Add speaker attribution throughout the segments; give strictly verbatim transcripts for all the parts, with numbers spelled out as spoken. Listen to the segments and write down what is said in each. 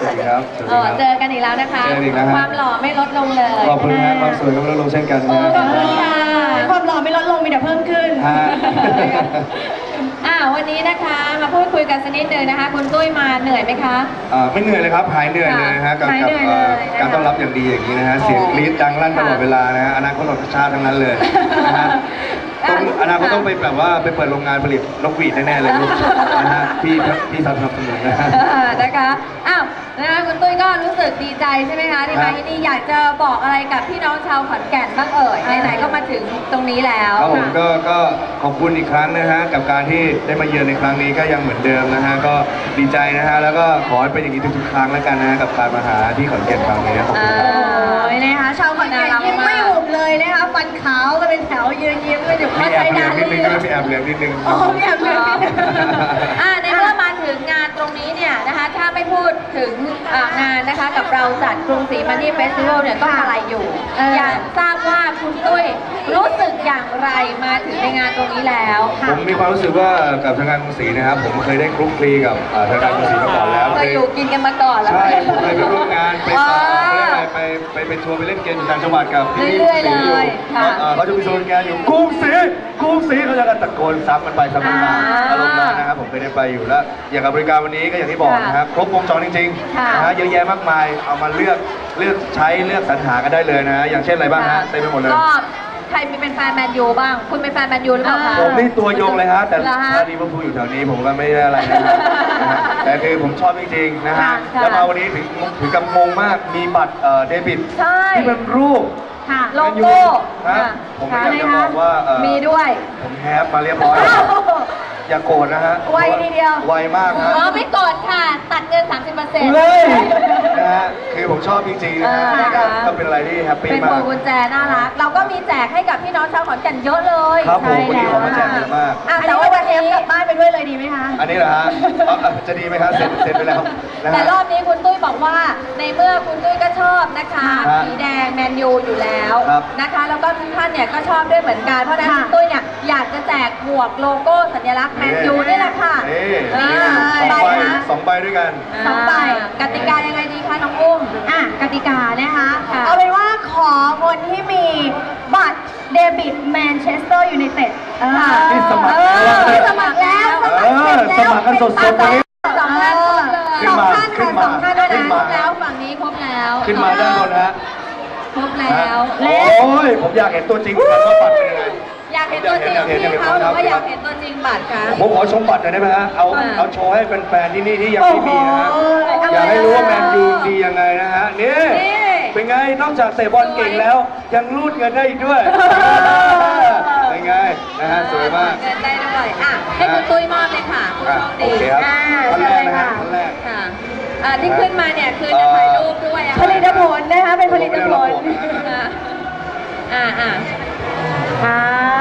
Speaker 1: สวัสดีครับสวัสดีครับ
Speaker 2: เจอกันอีกแล้วนะคะ
Speaker 1: เจอกันอีกแล้วฮะ
Speaker 2: ความหล่อไม่ลดลงเลย
Speaker 1: ขอบคุณครับความสวยก็ไม่ลดลงเช่นกันนะ
Speaker 2: ขอบคุณค่ะ
Speaker 3: ความหล่อไม่ลดลงมีแต่เพิ่มขึ้น
Speaker 1: ฮะ
Speaker 2: อ่าวันนี้นะคะมาพูดคุยกันสักนิดนึงนะคะ คุณตุ้ยมาเหนื่อยไหมคะ
Speaker 1: อ่าไม่เหนื่อยเลยครับหายเหนื่อยเลยนะฮะกับ
Speaker 2: หาย
Speaker 1: กับ
Speaker 2: เหนื่อย
Speaker 1: เอ่อ
Speaker 2: เลยนะคะ
Speaker 1: การต้อนรับอย่างดีอย่างนี้นะฮะเสียงกรี๊ดดังลั่นตลอดเวลานะฮะอนาคตของชาติทั้งนั้นเลยนะฮะต้องอนาคตต้องไปแบบว่าไปเปิดโรงงานผลิตนกหวีดแน่ๆเลยลูกนะฮะพี่พี่สนับสนุนนะฮะ
Speaker 2: เออนะคะอ้าวนะคะคุณตุ้ยก็รู้สึกดีใจใช่ไหมคะที่มาที่นี่อยากจะบอกอะไรกับพี่น้องชาวขอนแก่นบ้างเอ่ยไหนๆก็มาถึงตรงนี้แล้ว
Speaker 1: ครับผมก็ก็ขอบคุณอีกครั้งนะฮะกับการที่ได้มาเยือนในครั้งนี้ก็ยังเหมือนเดิมนะฮะก็ดีใจนะฮะแล้วก็ขอให้เป็นอย่างนี้ทุกๆครั้งแล้วกันนะฮะกับการมาหาที่ขอนแก่นครั้งนี้ขอบคุณครับ
Speaker 2: อ่า
Speaker 3: โอ้ยนะคะชาวขอนแก่นยิ้มไม่หุบเลยนะคะฟันขาวกันเป็นแถวยืนยิ้มกันอยู่
Speaker 1: มี
Speaker 3: ข้าง
Speaker 1: แอ
Speaker 3: ใจ
Speaker 1: บเหลื
Speaker 3: ดา
Speaker 1: องนิดนึง
Speaker 3: ลี่
Speaker 1: ก็มีแอบเหลืองนิดนึง
Speaker 3: โอ้มีแอบเหลืองนิดนึง
Speaker 2: อ่าในเมื่อมาถึงงานตรงนี้เนี่ยนะคะถ้าไม่พูดถึงอ่างานนะคะกับเราจัดกรุงศรีมันนี่เฟสติวัลเนี่ยก็อะไรอยู่
Speaker 3: เออ
Speaker 2: อ
Speaker 3: อ
Speaker 2: ยากทราบว่าคุณตุ้ยรู้สึกอย่างไรมาถึงในงานตรงนี้แล้ว
Speaker 1: ผมมีความรู้สึกว่ากับทางการกรุงศรีนะครับผมเคยได้คลุกคลีกับเอ่อทางการกรุงศรีมาก่อนแล้ว
Speaker 2: เคยอยู่กินกันมาก่อนแล้ว
Speaker 1: ใช่ผมเคยไปร่วมงานไป
Speaker 2: อ๋อ
Speaker 1: ต่อไปไปไปทัวร์ไปเล่นเกมอยู่ต่างจังหวัดกับพี่
Speaker 2: เรื่อยๆ
Speaker 1: ศรีอยู่
Speaker 2: เลยค่ะ
Speaker 1: เอ่อเขาจะมีโซนงานอยู่กรุงศรีกรุงศรีเขาจะกันตะโกนซ้ำมันไปซ้ำมันมา
Speaker 2: อ่า
Speaker 1: อารมณ์นั้นนะครับผมเคยได้ไปอยู่แล้วอย่างกับบริการวันนี้ก็อย่างที่บอกนะครับครบวงจรจริง
Speaker 2: ค่ะ
Speaker 1: ๆนะฮะเยอะแยะมากมายเอามาเลือกเลือกใช้เลือกสรรหากันได้เลยนะฮะอย่างเช่นอะไรบ้างฮะเต็มไปหมดเลย
Speaker 2: ก็ใครมีเป็นแฟนแมนยูบ้าง คุณเป็นแฟนแมนยูหรือเปล่าคะ
Speaker 1: ผมนี่ตัวยงเลยฮะแต่
Speaker 2: เหรอฮะ
Speaker 1: ถ้าดีว่าพูดอยู่แถวนี้ผมก็ไม่ได้อะไรนะครับนะฮะแต่คือผมชอบจริงๆนะฮะ
Speaker 2: ค่ะ
Speaker 1: แล้วมาวันนี้ถึงถึงกับงงมากมีบัตรเอ่อเดบิต
Speaker 2: ใช่
Speaker 1: ที่เป็นรูป
Speaker 2: ค่ะ
Speaker 1: แม
Speaker 2: โล
Speaker 1: นยู
Speaker 2: โก้
Speaker 1: นะ
Speaker 2: ค่ะ
Speaker 1: ผมก็อยากจะบอกว่าเอ่อ
Speaker 2: มีด้วย
Speaker 1: ผมแฮปมาเรียบร้อยแล้วอย่าโกรธนะฮะ
Speaker 3: ไวทีเดียว
Speaker 1: ไวมากฮะ
Speaker 2: อ๋อไม่กดค่ะ ตัดเงิน สามสิบเปอร์เซ็นต์
Speaker 1: เลยนะฮะคือผมชอบจริงๆนะฮะ
Speaker 2: เออ
Speaker 1: ก็
Speaker 2: นะคะ
Speaker 1: ก็เป็นอะไรที่แฮปปี้
Speaker 2: เป็นพ
Speaker 1: มาว
Speaker 2: ง
Speaker 1: ก
Speaker 2: กุญแจน่ารัก เราก็มีแจกให้กับพี่น้องชาวขอนแก่นเยอะเลย
Speaker 1: ครับผม
Speaker 2: ใช่
Speaker 1: วันนี้ของมาแจกเยอะมาก
Speaker 2: อ่ะ
Speaker 3: อัน
Speaker 2: แต่
Speaker 3: นี้
Speaker 2: ว่า
Speaker 3: ว่า
Speaker 2: วั
Speaker 3: วัน น
Speaker 2: นี้
Speaker 3: นี้กลับบ้านไปด้วยเลยดีไหมคะ
Speaker 1: อันนี้เหรอฮะเอาเอาจะดีไหมครับเสร็จเสร็จไปแล้วนะ
Speaker 2: แต่
Speaker 1: ฮะ
Speaker 2: รอบนี้คุณตุ้ยบอกว่าในเมื่อคุณตุ้ยก็ชอบนะคะ
Speaker 1: ครับ
Speaker 2: สีแดงแมนยูอยู่แล้ว
Speaker 1: ครับ
Speaker 2: นะคะ แล้วก็ทุกท่านเนี่ยก็ชอบด้วยเหมือนกัน เพราะฉะนั้น
Speaker 3: ค่ะ
Speaker 2: คุณตุ้ยเนี่ยอยากจะแจกหมวกโลโก้สัญลักษณ์แมนยูนี่แหละค่ะ
Speaker 1: นี่
Speaker 2: อ่า
Speaker 1: นี่สอง
Speaker 2: ใบ
Speaker 1: ใบ
Speaker 2: นะ
Speaker 1: สองใบด้วยกัน
Speaker 3: สองใบ
Speaker 2: กติกายังไงดีคะน้องอุ้ม
Speaker 3: อ่ะกติกานะคะ
Speaker 2: ค่ะ
Speaker 3: เอาเป็นว่าขอคนที่มีบัตรเดบิตแมนเชสเตอร์ยูไนเต็ด
Speaker 1: นี่สมัคร
Speaker 3: เอ
Speaker 1: แล้ว
Speaker 3: อสมัครแล้วส
Speaker 1: เอ
Speaker 3: มัครเสร็จ
Speaker 1: อ
Speaker 3: แล้ว
Speaker 1: สมัครกันสดๆ
Speaker 3: เป็
Speaker 1: วัน
Speaker 3: น
Speaker 1: นี้
Speaker 2: สองท่านครบเลย
Speaker 1: ขึ้
Speaker 3: ส
Speaker 1: น
Speaker 3: อง
Speaker 1: มา
Speaker 3: ท่าน
Speaker 1: ขึ้น
Speaker 3: ค่ะ
Speaker 1: มา
Speaker 3: สองท่านด้วยนะ
Speaker 1: ขึ้นมา
Speaker 2: แล้วฝั่งนี้ครบแล้ว
Speaker 1: ขึ้นมาด้านบนฮะ
Speaker 2: ครบแล้ว
Speaker 1: โอ้ยผมอยากเห็นตัวจริงกันว่าบัตรเป็นยังไง
Speaker 2: อยากเห็นตัวจริง
Speaker 1: อยากเห็นอยากเห็น
Speaker 2: พี่เขาหรือว่า
Speaker 1: ครับ
Speaker 2: อยากเห็นตัวจริงบัตรคะ
Speaker 1: ผมขอชมบัตรหน่อยได้ไหมฮะเอา
Speaker 2: ค่ะ
Speaker 1: เอาโชว์ให้แฟนๆที่นี่ที่ยังไม่มีนะฮะ
Speaker 3: โอ้โห
Speaker 1: อยากให้รู้ว่าแมนยูดียังไงนะฮะนี่
Speaker 2: นี่
Speaker 1: เป็นไงนอกจากเตะบอลเก่งแล้ว ยังรูดเงินได้อีกด้วยเป็นไงนะฮะสวยมาก
Speaker 2: เงินได้ด้วยอ่ะให้คุณตุ้ยมอบเลยค่ะคุณ
Speaker 1: อ่ะ
Speaker 2: โชค
Speaker 1: โอ
Speaker 2: ดี
Speaker 1: เคครับ
Speaker 3: อ่า
Speaker 1: ท่านแรกนะฮะ
Speaker 3: เชิญเลยค่ะ
Speaker 1: ท่านแรก
Speaker 2: ค่ะอ่าที่ขึ้นมาเนี่ยคือจะถ่ายรูปด้วยอะ
Speaker 3: ผลิตผลนะคะเป็นผลิตผล
Speaker 2: อ่ะอ่าอ่า
Speaker 3: ครับ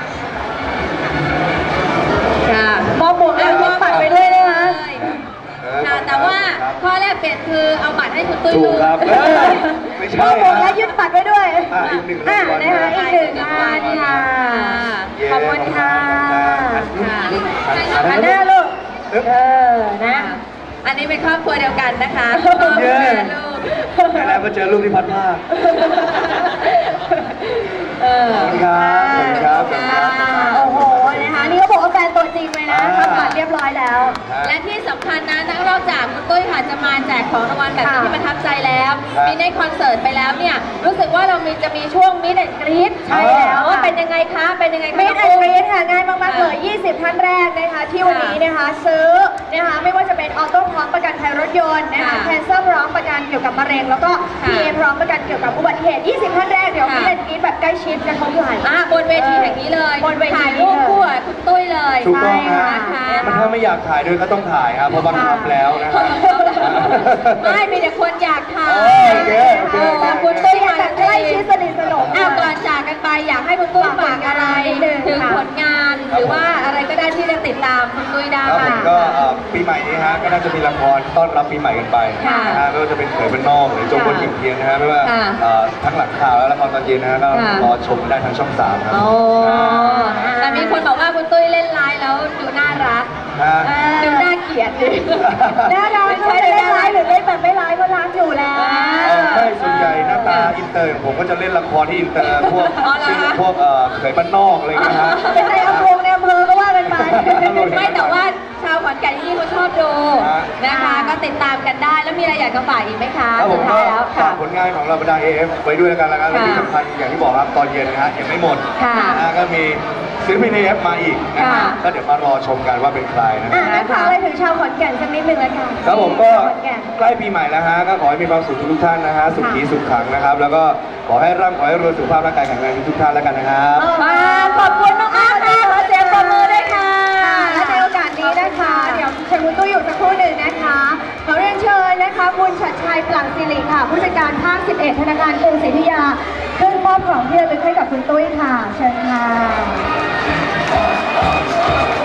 Speaker 2: ค่ะ
Speaker 3: มอบหมวกแล้วมอบบัตรไปด้วยนะคะ
Speaker 2: ค่ะแต่ว่าข้อแรกเปลี่ยนคือเอาบัตรให้คุณตุ้ย
Speaker 1: ถู
Speaker 2: ดู
Speaker 1: กครับเอ้ยไม่
Speaker 3: ม
Speaker 1: ใช่
Speaker 3: อบหมวก
Speaker 1: ฮะ
Speaker 3: และยึดบัตรไว้ด้วย
Speaker 1: อ่ะอีกหนึ่ง
Speaker 3: อ่ะ
Speaker 1: รางวัล
Speaker 3: นะคะ
Speaker 1: นะ
Speaker 3: อีกหนึ่งงานค่ะ
Speaker 1: เย้
Speaker 3: ขอบคุณค่ะ
Speaker 2: ค่ะ
Speaker 3: หันหน้าลูก เออ นะ
Speaker 2: อันนี้เป็นครอบครัวเดียวกันนะคะ
Speaker 1: เย้
Speaker 2: แม่ลูก
Speaker 1: แล้วมาเจอลูกที่พัดผ้า
Speaker 2: เออ
Speaker 1: ขอบคุณครับขอบคุณครับขอบคุณครับ
Speaker 3: โอ้โห นะคะ นี่ก็บอกว่าแฟนตัวจริงเลยนะ
Speaker 1: อ่า
Speaker 3: ทำบัตรเรียบร้อยแล้ว
Speaker 2: และที่สำคัญนะนอกจากคุณตุ้ยค่ะจะมาแจกของรางวัลแบบนี้
Speaker 3: ค่ะ
Speaker 2: ที่ประทับใจแล้ว
Speaker 1: ครับ
Speaker 2: มีในคอนเสิร์ตไปแล้วเนี่ย รู้สึกว่าเรามีจะมีช่วงมิดแอนกรีด
Speaker 3: ใช่แล้ว
Speaker 2: ว่า
Speaker 3: ค่ะ
Speaker 2: เป็นยังไงคะ เป็นยังไงคะ
Speaker 3: มิดแอน
Speaker 2: น้ง
Speaker 3: กรี
Speaker 2: อุ้
Speaker 3: ดค่ะง่ายมากๆเลย ยี่สิบ ท่านแรกนะคะ ที่วันนี้นะคะ ซื้อนะคะ ไม่ว่าจะเป็นออโต้พร้อมประกันภัยรถยนต์นะคะ
Speaker 2: ค่ะ
Speaker 3: แคนเซอร์พร้อมประกันเกี่ยวกับมะเร็ง แล้วก็
Speaker 2: ค่ะ
Speaker 3: พี เอ พร้อมประกันเกี่ยวกับอุบัติเหตุ ยี่สิบ ท่านแรกเดี๋ยว
Speaker 2: ค่ะ
Speaker 3: มิดแอนกรีดแบบใกล้ชิดกระทบไหล่
Speaker 2: อ่าบนเวทีแห่งนี้เลย
Speaker 3: บนเวที
Speaker 2: ถ่ายรูปคู่กับคุณตุ้ยเลย
Speaker 1: ถูกต้องฮะ
Speaker 2: นะคะ
Speaker 1: มันถ้าไม่อยากถ่ายด้วยก็ต้องถ่ายครับเพราะบังคับแล้วนะครับ
Speaker 2: ไม่มีแต่คนอยากถ่าย
Speaker 1: โอเคโอเค
Speaker 2: แต่คุณตุ้ย
Speaker 3: แบบใกล้ชิดสนิทสนม
Speaker 2: อ้าวก่อนจากกันไปอยากให้คุณตุ้ยฝากอะไร
Speaker 3: นิดนึง
Speaker 2: ถึง
Speaker 3: ค่ะ
Speaker 2: ผลงานหรือว่าอะไรก็ได้ที่จะติดตามคุณตุ้ยได้
Speaker 1: ครับผมก็เอ่อปีใหม่นี้ฮะก็น่าจะมีละครต้อนรับปีใหม่กันไป
Speaker 2: ค่ะ
Speaker 1: นะฮะไม่ว่าจะเป็นเขยเป็นนอกหรือจงบนกิ่งเทียนนะฮะไม่ว่า
Speaker 2: ค่ะ
Speaker 1: เอ่อทั้งหลังข่าวและละครตอนเย็นนะฮะก็
Speaker 2: ค่ะ
Speaker 1: รอชมได้ทางช่องสามครับ
Speaker 2: โอ้แต่มีคนบอกว่าคุณตุ้ยเล่นไลน์แล้วดูน่ารัก
Speaker 1: ฮะ
Speaker 2: ดูน่ากินกียรติดิ
Speaker 3: แน่นอนไม่ใช่เล่นร้ายหรือเล่นแบบไม่ร้ายก็รักอยู่แล้ว
Speaker 1: เออไม่ส่วนใหญ่หน้าตาอินเตอร์ของผมก็จะเล่นละครที่อินเตอร์พวก
Speaker 2: อ๋อเหรอ
Speaker 1: ชื่อ
Speaker 2: คะ
Speaker 1: พวกเอ่อเขยบ้านนอกอะไรอย่างเงี้ยฮะ
Speaker 3: เป็นในอำเภอในอำเภอก็ว่ากันไป
Speaker 2: ไม่แต่ว่าชาวขอนแก่นที่นี่เขาชอบดูนะคะ ก็ติดตามกันได้แล้วมีอะไรอยากจะฝากอีกไหมคะ
Speaker 1: แล้วผ
Speaker 2: สุ
Speaker 1: ม
Speaker 2: ด
Speaker 1: ก็
Speaker 2: ท้ายแล้ว
Speaker 1: ฝา
Speaker 2: ค่ะ
Speaker 1: กผลงานของเราบรรดา เอ เอฟ ไว้ด้วยแล้วกันแล้วกันและที่สำคัญอย่างที่บอกครับตอนเย็นนะฮะยังไม่หมด
Speaker 2: ค่ะ
Speaker 1: นะฮะก็มีศิลปิน เอ เอฟ มาอีกนะ
Speaker 2: ค่ะ
Speaker 1: ฮะก็เดี๋ยวมารอชมกันว่าเป็นใครนะ
Speaker 3: อ่ะงั้นฝากอะไรถึงชาวขอนแก่นสักนิดหนึ่งแล้วกัน
Speaker 1: ครับผมก็
Speaker 3: ชาวขอนแก่น
Speaker 1: ใกล้ปีใหม่แล้วฮะก็ขอให้มีความสุขทุกๆท่านนะฮะสุขีสุขขังนะครับ แล้วก็ขอให้ร่ำขอให้รวยสุขภาพร่างกายแข็งแรงทุกๆท่านแล้วกันนะครับ
Speaker 2: มาขอบคุณน้องอาร์ตค่ะขอเสียงปรบมือด้วยค่ะ
Speaker 3: และในโอกาสนี้นะคะ เดี๋ยวเชิญคุณตุ้ยอยู่สักครู่หนึ่งนะคะขอเรียนเชิญนะคะคุณชัดชัยปลั่งศิริค่ะ ผู้จัดการภาค สิบเอ็ด ธนาคารกรุงศรีอยุธยาขึ้นมอบของที่ระลึกให้กับคุณตุ้ยค่ะ เชิญค่ะ